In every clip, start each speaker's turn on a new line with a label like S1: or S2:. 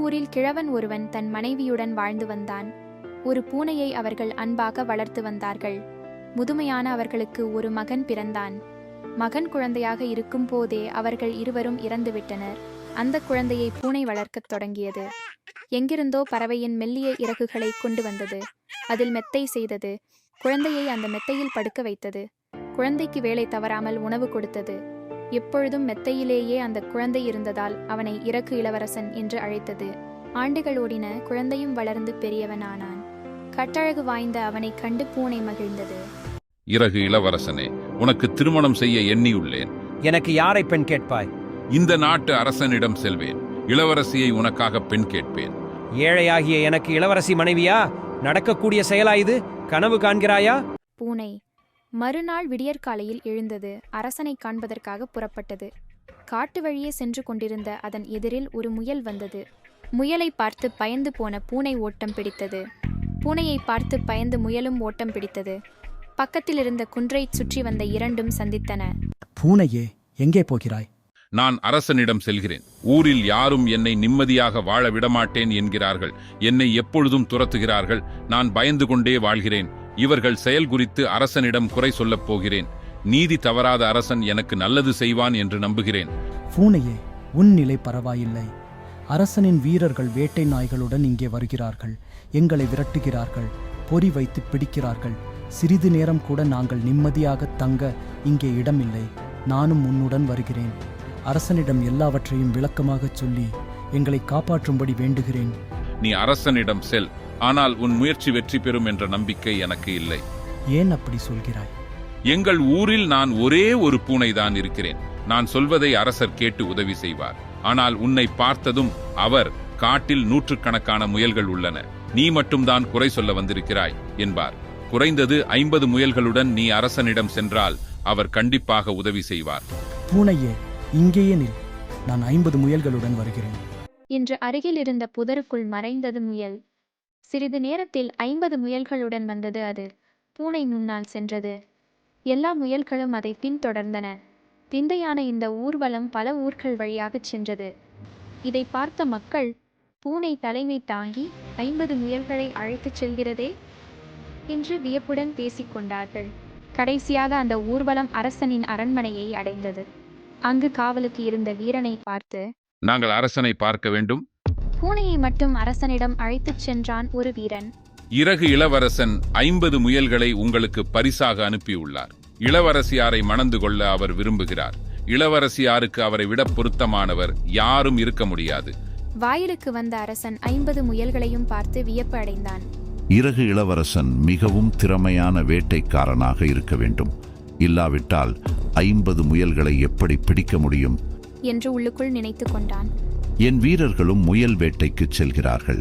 S1: ஊரில் கிழவன் ஒருவன் தன் மனைவியுடன் வாழ்ந்து வந்தான். ஒரு பூனையை அவர்கள் அன்பாக வளர்த்து வந்தார்கள். முதுமையான அவர்களுக்கு ஒரு மகன் பிறந்தான். மகன் குழந்தையாக இருக்கும் போதே அவர்கள் இருவரும் இறந்துவிட்டனர். அந்த குழந்தையை பூனை வளர்க்கத் தொடங்கியது. எங்கிருந்தோ பறவையின் மெல்லிய இறகுகளை கொண்டு வந்தது. அதில் மெத்தை செய்தது. குழந்தையை அந்த மெத்தையில் படுக்க வைத்தது. குழந்தைக்கு வேலை தவறாமல் உணவு கொடுத்தது. எப்பொழுதும் மெத்தையிலேயே அந்த குழந்தை இருந்ததால் அவனை இறகு இளவரசன் என்று அழைத்தது. ஆண்டுகள் ஓடின. குழந்தையும் வளர்ந்து பெரியவனானான். கட்டழகு வாய்ந்த அவனை கண்டு பூனை மகிழ்ந்தது.
S2: இறகு இளவரசனே, உனக்கு திருமணம் செய்ய எண்ணியுள்ளேன்.
S3: எனக்கு யாரை பெண் கேட்பாய்?
S2: இந்த நாட்டு அரசனிடம் செல்வேன். இளவரசியை உனக்காக பெண் கேட்பேன்.
S3: ஏழையாகிய எனக்கு இளவரசி மனைவியா? நடக்கக்கூடிய செயலா இது? கனவு காண்கிறாயா?
S1: பூனை மறுநாள் விடியற்காலையில் எழுந்தது. அரசனை காண்பதற்காக புறப்பட்டது. காட்டு வழியே சென்று கொண்டிருந்த அதன் எதிரில் ஒரு முயல் வந்தது. முயலை பார்த்து பயந்து போன பூனை ஓட்டம் பிடித்தது. பூனையை பார்த்து பயந்து முயலும் ஓட்டம் பிடித்தது. பக்கத்தில் இருந்த குன்றைச் சுற்றி வந்த இரண்டும் சந்தித்தன.
S4: பூனையே, எங்கே போகிறாய்?
S2: நான் அரசனிடம் செல்கிறேன். ஊரில் யாரும் என்னை நிம்மதியாக வாழ விடமாட்டேன் என்கிறார்கள். என்னை எப்பொழுதும் துரத்துகிறார்கள். நான் பயந்து கொண்டே வாழ்கிறேன். இவர்கள் செயல் குறித்து அரசனிடம் குறை சொல்லப் போகிறேன். நீதி தவறாத அரசன் எனக்கு நல்லது செய்வான் என்று நம்புகிறேன்.
S4: பூனையே, உன் நிலை பரவாயில்லை. அரசனின் வீரர்கள் வேட்டை நாய்களுடன் இங்கே வருகிறார்கள். எங்களை விரட்டுகிறார்கள். பொறி வைத்து பிடிக்கிறார்கள். சிறிது நேரம் கூட நாங்கள் நிம்மதியாக தங்க இங்கே இடமில்லை. நானும் உன்னுடன் வருகிறேன். அரசனிடம் எல்லாவற்றையும் விளக்கமாகச் சொல்லி எங்களை காப்பாற்றும்படி வேண்டுகிறேன்.
S2: நீ அரசனிடம் செல். ஆனால் உன் முயற்சி வெற்றி பெறும் என்ற நம்பிக்கை எனக்கு இல்லை.
S4: ஏன் அப்படி சொல்கிறாய்?
S2: எங்கள் ஊரில் நான் ஒரே ஒரு பூனைதான் இருக்கிறேன். நான் சொல்வதை அரசர் கேட்டு உதவி செய்வார். ஆனால் உன்னை பார்த்ததும் அவர், காட்டில் நூற்றுக்கணக்கான முயல்கள் உள்ளன, நீ மட்டும்தான் குறை சொல்ல வந்திருக்கிறாய் என்பார். குறைந்தது 50 முயல்களுடன் நீ அரசனிடம் சென்றால் அவர் கண்டிப்பாக உதவி செய்வார்.
S4: பூனையே, இங்கேயே நில். நான் 50 முயல்களுடன் வருகிறேன்
S1: இன்று அருகில் இருந்த புதருக்குள் மறைந்தது முயல். சிறிது நேரத்தில் 50 முயல்களுடன் வந்தது. அது பூனை முன்னால் சென்றது. எல்லா முயல்களும் அதை பின்தொடர்ந்தன. விந்தையான இந்த ஊர்வலம் பல ஊர்கள் வழியாகச் சென்றது. இதை பார்த்த மக்கள், பூனை தலைமை தாங்கி 50 முயல்களை அழைத்துச் செல்கிறதே என்று வியப்புடன் பேசிக்கொண்டார்கள். கடைசியாக அந்த ஊர்வலம் அரசனின் அரண்மனையை அடைந்தது. அங்கு காவலுக்கு இருந்த வீரனை பார்த்து,
S2: நாங்கள் அரசனை பார்க்க வேண்டும்.
S1: பூனையை மட்டும் அரசனிடம் அழைத்துச் சென்றான் ஒரு வீரன்.
S2: இறகு இளவரசன் 50 முயல்களை உங்களுக்கு பரிசாக அனுப்பியுள்ளார். இளவரசியாரை மணந்து கொள்ள அவர் விரும்புகிறார். இளவரசியாருக்கு அவரை விட பொருத்தமானவர் யாரும் இருக்க முடியாது.
S1: வாயிலுக்கு வந்த அரசன் 50 முயல்களையும் பார்த்து வியப்பு அடைந்தான்.
S5: இறகு இளவரசன் மிகவும் திறமையான வேட்டைக்காரனாக இருக்க வேண்டும். இல்லாவிட்டால் 50 முயல்களை எப்படி பிடிக்க முடியும்
S1: என்று உள்ளுக்குள் நினைத்து கொண்டான்.
S5: என் வீரர்களும் முயல் வேட்டைக்குச் செல்கிறார்கள்.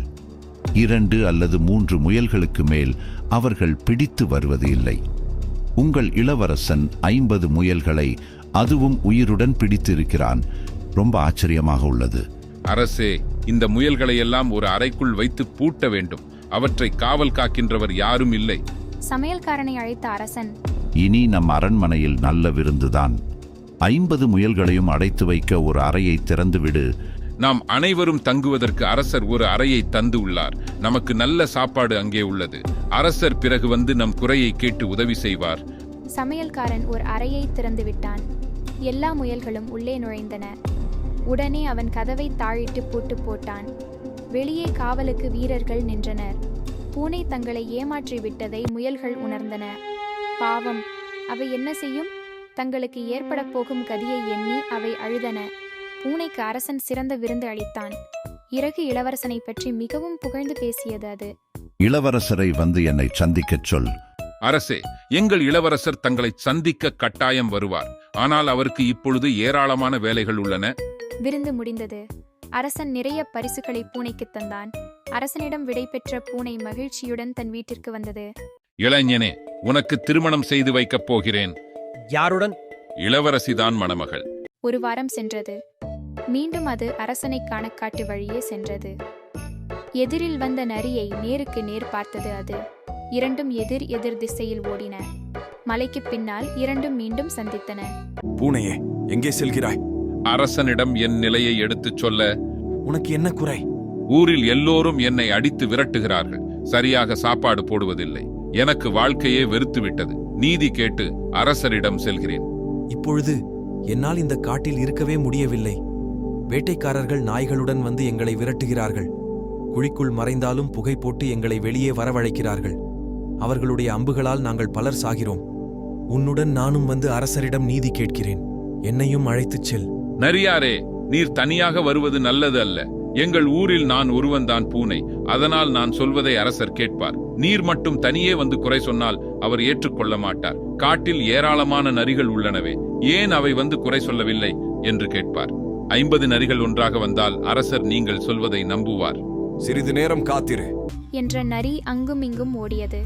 S5: 2 அல்லது 3 முயல்களுக்கு மேல் அவர்கள் பிடித்து வருவது இல்லை. உங்கள் இளவரசன் 50 முயல்களை அதுவும் உயிருடன் பிடித்திருக்கிறான். ரொம்ப ஆச்சரியமாக உள்ளது.
S2: அரசே, இந்த முயல்களை எல்லாம் ஒரு அறைக்குள் வைத்து பூட்ட வேண்டும். அவற்றை காவல் காக்கின்றவர் யாரும் இல்லை.
S1: சமையல்காரனை அழைத்த அரசன்,
S5: இனி நம் அரண்மனையில் நல்ல விருந்துதான். 50 முயல்களையும் அடைத்து வைக்க ஒரு அறையை திறந்துவிடு.
S2: நாம் அனைவரும் தங்குவதற்கு அரசர் ஒரு அறையை தந்து உள்ளார். நமக்கு நல்ல சாப்பாடு அங்கே உள்ளது. அரசர் பிறகு வந்து நம் குறையை கேட்டு உதவி செய்வார்.
S1: சமையல்காரன் ஒரு அறையை திறந்து விட்டான். எல்லா முயல்களும் உள்ளே நுழைந்தன. உடனே அவன் கதவை தாழிட்டு பூட்டு போட்டான். வெளியே காவலுக்கு வீரர்கள் நின்றனர். பூனை தங்களை ஏமாற்றி விட்டதை முயல்கள் உணர்ந்தன. பாவம், அவை என்ன செய்யும்? தங்களுக்கு ஏற்பட போகும் கதியை எண்ணி அவை அழுதன. பூனைக்கு அரசன் சிறந்த விருந்து அளித்தான். இறகு இளவரசனை பற்றி மிகவும் புகழ்ந்து பேசியது அது.
S5: இளவரசரை வந்து என்னை சந்திக்கச் சொல்.
S2: அரசே, எங்கள் இளவரசர் தங்களை சந்திக்க கட்டாயம் வருவார். ஆனால் அவருக்கு இப்பொழுது ஏராளமான வேலைகள் உள்ளன.
S1: விருந்து முடிந்தது. அரசன் நிறைய பரிசுகளை பூனைக்கு தந்தான். அரசனிடம் விடை பெற்ற பூனை மகிழ்ச்சியுடன் தன் வீட்டிற்கு வந்தது.
S2: இளைஞனே, உனக்கு திருமணம் செய்து வைக்கப் போகிறேன்.
S3: யாருடன்?
S2: இளவரசிதான் மணமகள்.
S1: ஒரு வாரம் சென்றது. மீண்டும் அது அரசனை காண காட்டு வழியே சென்றது. எதிரில் வந்த நரியை நேருக்கு நேர் பார்த்தது அது. இரண்டும் எதிர் எதிர் திசையில் ஓடின. மலைக்கு பின்னால் இரண்டும் மீண்டும் சந்தித்தன.
S6: பூனையே, எங்கே செல்கிறாய்?
S2: அரசனிடம் என் நிலையை எடுத்துச் சொல்ல.
S6: உனக்கு என்ன குறை?
S2: ஊரில் எல்லோரும் என்னை அடித்து விரட்டுகிறார்கள். சரியாக சாப்பாடு போடுவதில்லை. எனக்கு வாழ்க்கையே வெறுத்துவிட்டது. நீதி கேட்டு அரசரிடம் செல்கிறேன்.
S6: இப்பொழுது என்னால் இந்த காட்டில் இருக்கவே முடியவில்லை. வேட்டைக்காரர்கள் நாய்களுடன் வந்து எங்களை விரட்டுகிறார்கள். குழிக்குள் மறைந்தாலும் புகை போட்டு எங்களை வெளியே வரவழைக்கிறார்கள். அவர்களுடைய அம்புகளால் நாங்கள் பலர் சாகிறோம். உன்னுடன் நானும் வந்து அரசரிடம் நீதி கேட்கிறேன். என்னையும் அழைத்துச் செல்.
S2: நரியாரே, நீர் தனியாக வருவது நல்லது அல்ல. எங்கள் ஊரில் நான் ஒருவன்தான் பூனை. அதனால் நான் சொல்வதை அரசர் கேட்பார். நீர் மட்டும் தனியே வந்து குறை சொன்னால் அவர் ஏற்றுக்கொள்ள மாட்டார். காட்டில் ஏராளமான நரிகள் உள்ளனவே, ஏன் அவை வந்து குறை சொல்லவில்லை என்று கேட்பார். 50 நரிகள் ஒன்றாக வந்தால் அரசர் நீங்கள் சொல்வதை நம்புவார்.
S6: சிறிது நேரம் காத்திரு
S1: என்ற நரி அங்கும் இங்கும் ஓடியது.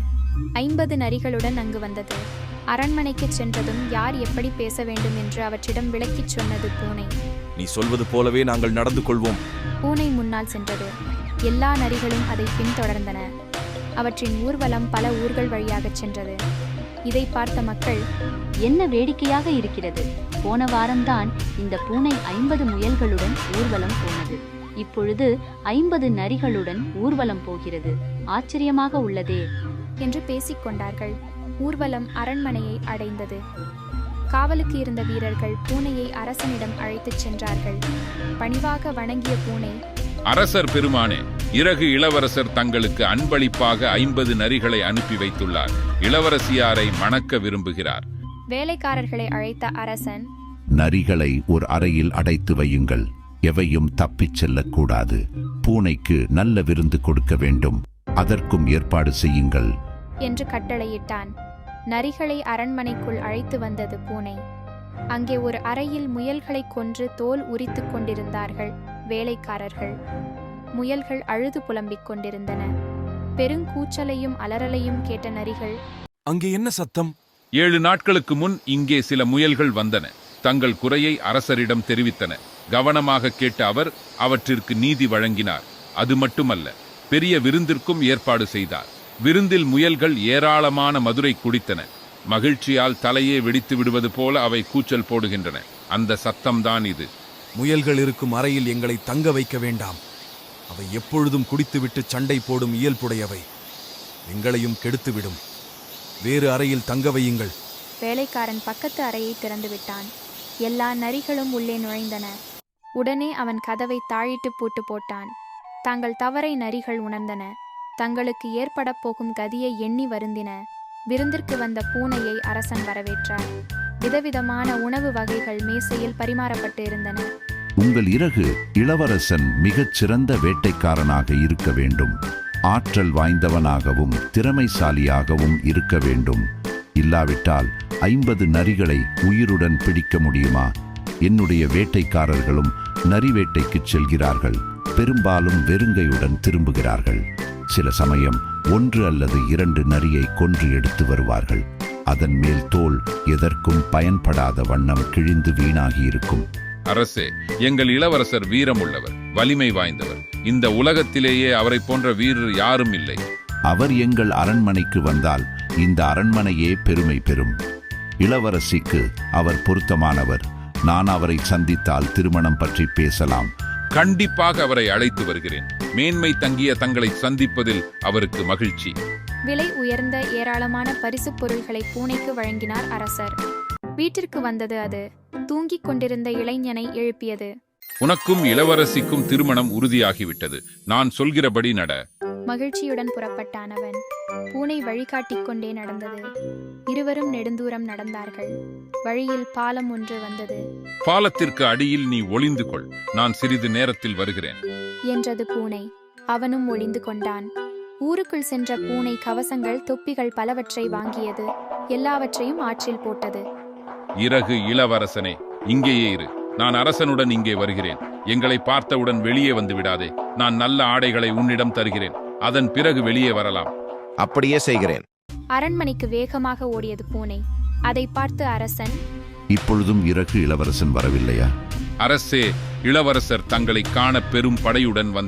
S1: 50 நரிகளுடன் அங்கு வந்தது. அரண்மனைக்கு சென்றதும் யார் எப்படி பேச வேண்டும் என்று அவற்றிடம் விளக்கிச் சொன்னது பூனை.
S6: நீ சொல்வது போலவே நாங்கள் நடந்து கொள்வோம்.
S1: பூனை முன்னால் சென்றது. எல்லா நரிகளும் அதை பின்தொடர்ந்தன. அவற்றின் ஊர்வலம் பல ஊர்கள் வழியாகச் சென்றது. இதை பார்த்த மக்கள்,
S7: என்ன வேடிக்கையாக இருக்கிறது! போன வாரம்தான் இந்த பூனை 50 முயல்களுடன் ஊர்வலம் போனது. இப்பொழுது 50 நரிகளுடன் ஊர்வலம் போகிறது. ஆச்சரியமாக உள்ளதே
S1: என்று பேசிக்கொண்டார்கள். ஊர்வலம் அரண்மனையை அடைந்தது. காவலுக்கு இருந்த வீரர்கள் பூனையை அரசனிடம் அழைத்துச் சென்றார்கள். பணிவாக வணங்கிய பூனை,
S2: அரசர் பெருமானே, இறகு இளவரசர் தங்களுக்கு அன்பளிப்பாக 50 நரிகளை அனுப்பி வைத்துள்ளார். இளவரசியாரை மணக்க விரும்புகிறார்.
S1: வேலைக்காரர்களை அழைத்த அரசன்,
S5: நரிகளை ஒரு அறையில் அடைத்து வையுங்கள். எவையும் தப்பிச் செல்லக்கூடாது. பூனைக்கு நல்ல விருந்து கொடுக்க வேண்டும். அதற்கும் ஏற்பாடு செய்யுங்கள்
S1: என்று கட்டளையிட்டான். நரிகளை அரண்மனைக்குள் அழைத்து வந்தது பூனை. அங்கே ஒரு அறையில் முயல்களை கொன்று தோல் உரித்துக் கொண்டிருந்தார்கள் வேலைக்காரர்கள். முயல்கள் அழுது புலம்பிக் கொண்டிருந்தன. பெருங்கூச்சலையும் அலறலையும் கேட்ட நரிகள்,
S6: அங்கே என்ன சத்தம்?
S2: 7 நாட்களுக்கு முன் இங்கே சில முயல்கள் வந்தன. தங்கள் குறையை அரசரிடம் தெரிவித்தன. கவனமாக கேட்ட அவர் அவற்றிற்கு நீதி வழங்கினார். அது மட்டுமல்ல, பெரிய விருந்திற்கும் ஏற்பாடு செய்தார். விருந்தில் முயல்கள் ஏராளமான மதுரை குடித்தன. மகிழ்ச்சியால் தலையே வெடித்து விடுவது போல அவை கூச்சல் போடுகின்றன. அந்த சத்தம்தான் இது.
S6: முயல்கள் இருக்கும் அறையில் எங்களை தங்க வைக்க வேண்டாம். அவை எப்பொழுதும் குடித்துவிட்டு சண்டை போடும் இயல்புடையவை. எங்களையும் கெடுத்துவிடும். வேறு அறையில் தங்க வையுங்கள்.
S1: வேலைக்காரன் பக்கத்து அறையை திறந்து விட்டான். எல்லா நரிகளும் உள்ளே நுழைந்தன. உடனே அவன் கதவை தாழிட்டு பூட்டு போட்டான். தங்கள் தவறை நரிகள் உணர்ந்தன. தங்களுக்கு ஏற்பட போகும் கதியை எண்ணி வருந்தின. விருந்திற்கு வந்த பூனையை அரசன் வரவேற்றார். விதவிதமான உணவு வகைகள் மேசையில் பரிமாறப்பட்டு இருந்தன.
S5: உங்கள் இறகு இளவரசன் மிகச் சிறந்த வேட்டைக்காரனாக இருக்க வேண்டும். ஆற்றல் வாய்ந்தவனாகவும் திறமைசாலியாகவும் இருக்க வேண்டும். இல்லாவிட்டால் 50 நரிகளை உயிருடன் பிடிக்க முடியுமா? என்னுடைய வேட்டைக்காரர்களும் நரி வேட்டைக்குச் செல்கிறார்கள். பெரும்பாலும் வெறுங்கையுடன் திரும்புகிறார்கள். சில சமயம் 1 அல்லது 2 நரியை கொன்று எடுத்து வருவார்கள். அதன் மேல் தோல் எதற்கும் பயன்படாத வண்ணம் கிழிந்து வீணாகியிருக்கும்.
S2: அரசே, எங்கள் இளவரசர் வீரமுள்ளவர், வலிமை வாய்ந்தவர். இந்த உலகத்திலேயே அவரை போன்ற வீரர் யாரும் இல்லை.
S5: அவர் எங்கள் அரண்மனைக்கு வந்தால் இந்த அரண்மனையே பெருமை பெறும். இளவரசிக்கு அவர் பொருத்தமானவர். நான் அவரை சந்தித்தால் திருமணம் பற்றி பேசலாம்.
S2: கண்டிப்பாக அவரை அழைத்து வருகிறேன். மேன்மை தங்கிய தங்களை சந்திப்பதில் அவருக்கு மகிழ்ச்சி.
S1: விலை உயர்ந்த ஏராளமான பரிசுப் பொருள்களை பூனைக்கு வழங்கினார் அரசர். வீட்டிற்கு வந்தது அது. தூங்கிக் கொண்டிருந்த இளைஞனை எழுப்பியது.
S2: உனக்கும் இளவரசிக்கும் திருமணம் உறுதியாகிவிட்டது. நான் சொல்கிறபடி நட.
S1: மகிழ்ச்சியுடன் புறப்பட்டான் அவன். பூனை வழிகாட்டிக் கொண்டே நடந்தது. இருவரும் நெடுந்தூரம் நடந்தார்கள். வழியில் பாலம் ஒன்று வந்தது.
S2: பாலத்திற்கு அடியில் நீ ஒளிந்து கொள், நான் சிறிது நேரத்தில் வருகிறேன்
S1: என்றது பூனை. அவனும் ஒளிந்து கொண்டான். ஊருக்குள் சென்ற பூனை கவசங்கள், தொப்பிகள் பலவற்றை வாங்கியது. எல்லாவற்றையும் ஆற்றில் போட்டது.
S2: இறகு இளவரசனே, இங்கேயே இரு. நான் அரசனுடன் இங்கே வருகிறேன். எங்களை பார்த்தவுடன் வெளியே வந்து விடாதே. நான் நல்ல ஆடைகளை உன்னிடம் தருகிறேன். அதன் பிறகு வெளியே வரலாம்.
S8: அப்படியே செய்கிறேன்.
S1: அரண்மனைக்கு வேகமாக ஓடியது பூனை. அதை பார்த்து அரசன்,
S5: இப்பொழுதும் இறகு இளவரசன் வரவில்லையா?
S2: அரசே, இளவரசர் தங்களை காண பெரும் படையுடன் வந்தார்.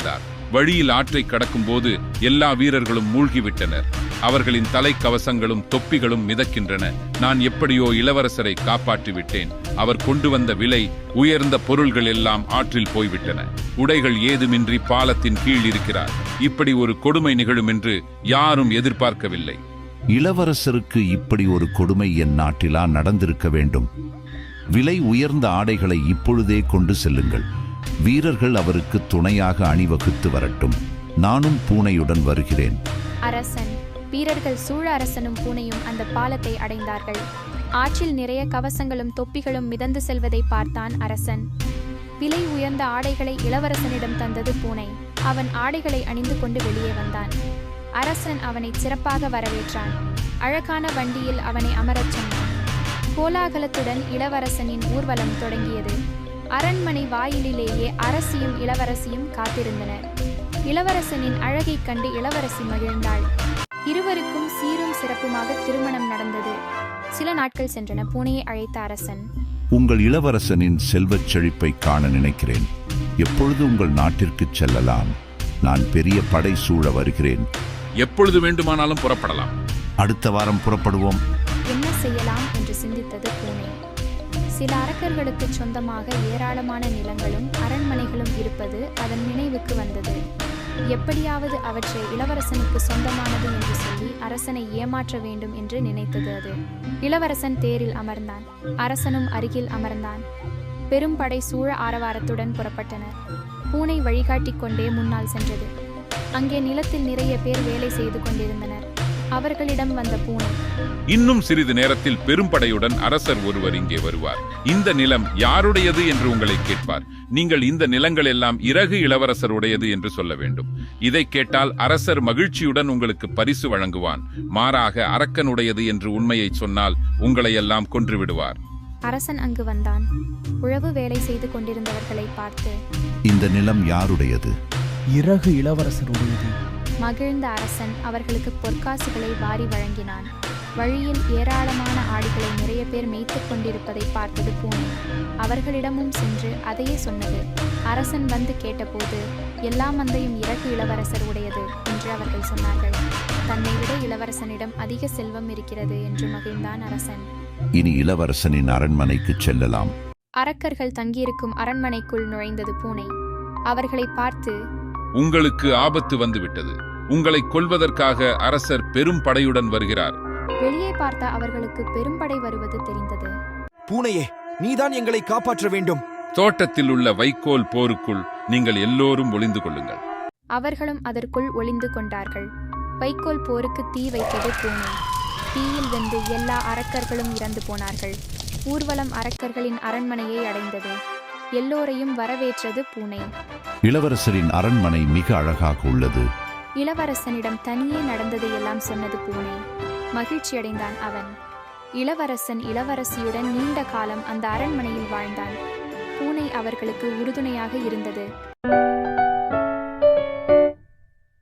S2: வழியில் ஆற்றை கடக்கும்போது எல்லா வீரர்களும் மூழ்கிவிட்டனர். அவர்களின் தலைக்கவசங்களும் தொப்பிகளும் மிதக்கின்றன. நான் எப்படியோ இளவரசரை காப்பாற்றி விட்டேன். அவர் கொண்டு வந்த விலை உயர்ந்த பொருள்கள் எல்லாம் ஆற்றில் போய்விட்டன. உடைகள் ஏதுமின்றி பாலத்தின் கீழ் இருக்கிறார். இப்படி ஒரு கொடுமை நிகழும் என்று யாரும் எதிர்பார்க்கவில்லை.
S5: இளவரசருக்கு இப்படி ஒரு கொடுமை என் நாட்டிலா நடந்திருக்க வேண்டும்? விலை உயர்ந்த ஆடைகளை இப்பொழுதே கொண்டு செல்லுங்கள். வீரர்கள் அவருக்கு துணையாக அணிவகுத்து வரட்டும். நானும் பூனையுடன் வருகிறேன்.
S1: அரசன் வீரர்கள் சூழ அரசனும் பூனையும் அந்த பாலத்தை அடைந்தார்கள். ஆற்றில் நிறைய கவசங்களும் தொப்பிகளும் மிதந்து செல்வதை பார்த்தான் அரசன். விலை உயர்ந்த ஆடைகளை இளவரசனிடம் தந்தது பூனை. அவன் ஆடைகளை அணிந்து கொண்டு வெளியே வந்தான். அரசன் அவனை சிறப்பாக வரவேற்றான். அழகான வண்டியில் அவனை அமரச் சொன்னான். கோலாகலத்துடன் இளவரசனின் ஊர்வலம் தொடங்கியது. அரண்மனை வாயிலிலேயே அரசியும் இளவரசியும் காத்திருந்தனர். இளவரசனின் அழகைக் கண்டு இளவரசி மகிழ்ந்தாள். இருவருக்கும் சீரும் சிறப்புமாக திருமணம் நடந்தது. சில நாட்கள் சென்றன. பூனையை அழைத்த அரசன்,
S5: உங்கள் இளவரசனின் செல்வச் செழிப்பை காண நினைக்கிறேன். எப்பொழுது உங்கள் நாட்டிற்கு செல்லலாம்? நான் பெரிய படை சூழ வருகிறேன்.
S2: எப்பொழுது வேண்டுமானாலும் புறப்படலாம்.
S5: அடுத்த வாரம் புறப்படுவோம்.
S1: என்ன செய்யலாம் என்று சிந்தித்தது பூனை. சில அரக்கர்களுக்கு சொந்தமாக ஏராளமான நிலங்களும் அரண்மனைகளும் இருப்பது அதன் நினைவுக்கு வந்தது. எப்படியாவது அவற்றை இளவரசனுக்கு சொந்தமானது என்று சொல்லி அரசனை ஏமாற்ற வேண்டும் என்று நினைத்தது அது. இளவரசன் தேரில் அமர்ந்தான். அரசனும் அருகில் அமர்ந்தான். பெரும் படை சூழ ஆரவாரத்துடன் புறப்பட்டனர். பூனை வழிகாட்டிக் கொண்டே முன்னால் சென்றது. அங்கே நிலத்தில் நிறைய பேர் வேலை செய்து கொண்டிருந்தனர். அவர்களிடம் வந்த பூனை,
S2: இன்னும் சிறிது நேரத்தில் பெரும்படையுடன் அரசர் ஒருவர் இங்கே வருவார். இந்த நிலம் யாருடையது என்று உங்களை கேட்பார். நீங்கள் இந்த நிலங்கள் எல்லாம் இறகு இளவரசருடையது என்று சொல்ல வேண்டும். இதை கேட்டால் அரசர் மகிழ்ச்சியுடன் உங்களுக்கு பரிசு வழங்குவான். மாறாக அரக்கனுடையது என்று உண்மையை சொன்னால் உங்களை எல்லாம் கொன்று விடுவார்.
S1: அரசன் அங்கு வந்தான். உழவு வேலை செய்து கொண்டிருந்தவர்களை பார்த்து,
S5: இந்த நிலம் யாருடையது?
S4: இறகு இளவரசருடையது.
S1: மகிழ்ந்த அரசன் அவர்களுக்கு பொற்காசுகளை வாரி வழங்கினான். வழியில் ஏராளமான ஆடுகளை நிறைய பேர் மேய்த்துக் கொண்டிருப்பதை பார்த்தது பூனை. அவர்களிடமும் சென்று அதையே சொன்னது. அரசன் வந்து கேட்டபோது, எல்லா மந்தையும் இறகு இளவரசர் உடையது என்று அவர்கள் சொன்னார்கள். தன்னை விட இளவரசனிடம் அதிக செல்வம் இருக்கிறது என்று மகிழ்ந்தான் அரசன்.
S5: இனி இளவரசனின் அரண்மனைக்கு செல்லலாம்.
S1: அரக்கர்கள் தங்கியிருக்கும் அரண்மனைக்குள் நுழைந்தது பூனை. அவர்களை பார்த்து,
S2: உங்களுக்கு ஆபத்து வந்துவிட்டது. உங்களை கொல்வதற்காக அரசர் பெரும் படையுடன் வருகிறார்.
S1: வெளியே பார்த்த அவர்களுக்கு பெரும்படை வருவது தெரிந்தது.
S6: பூனையே, நீதான் எங்களை காப்பாற்ற வேண்டும்.
S2: தோட்டத்தில் உள்ள வைக்கோல் போருக்குள் நீங்கள் எல்லோரும் ஒளிந்து கொள்ளுங்கள்.
S1: அவர்களும் அதற்குள் ஒளிந்து கொண்டார்கள். வைக்கோல் போருக்கு தீ வைத்தது பூனை. தீயில் வெந்து எல்லா அரக்கர்களும் இறந்து போனார்கள். ஊர்வலம் அரக்கர்களின் அரண்மனையை அடைந்தது. எல்லோரையும் வரவேற்றது பூனை.
S5: இளவரசரின் அரண்மனை மிக அழகாக உள்ளது.
S1: இளவரசனிடம் தனியே நடந்ததையெல்லாம் சொன்னது பூனை. மகிழ்ச்சியடைந்தான் அவன். இளவரசன் இளவரசியுடன் நீண்ட காலம் அந்த அரண்மனையில் வாழ்ந்தான். பூனை அவர்களுக்கு உறுதுணையாக இருந்தது.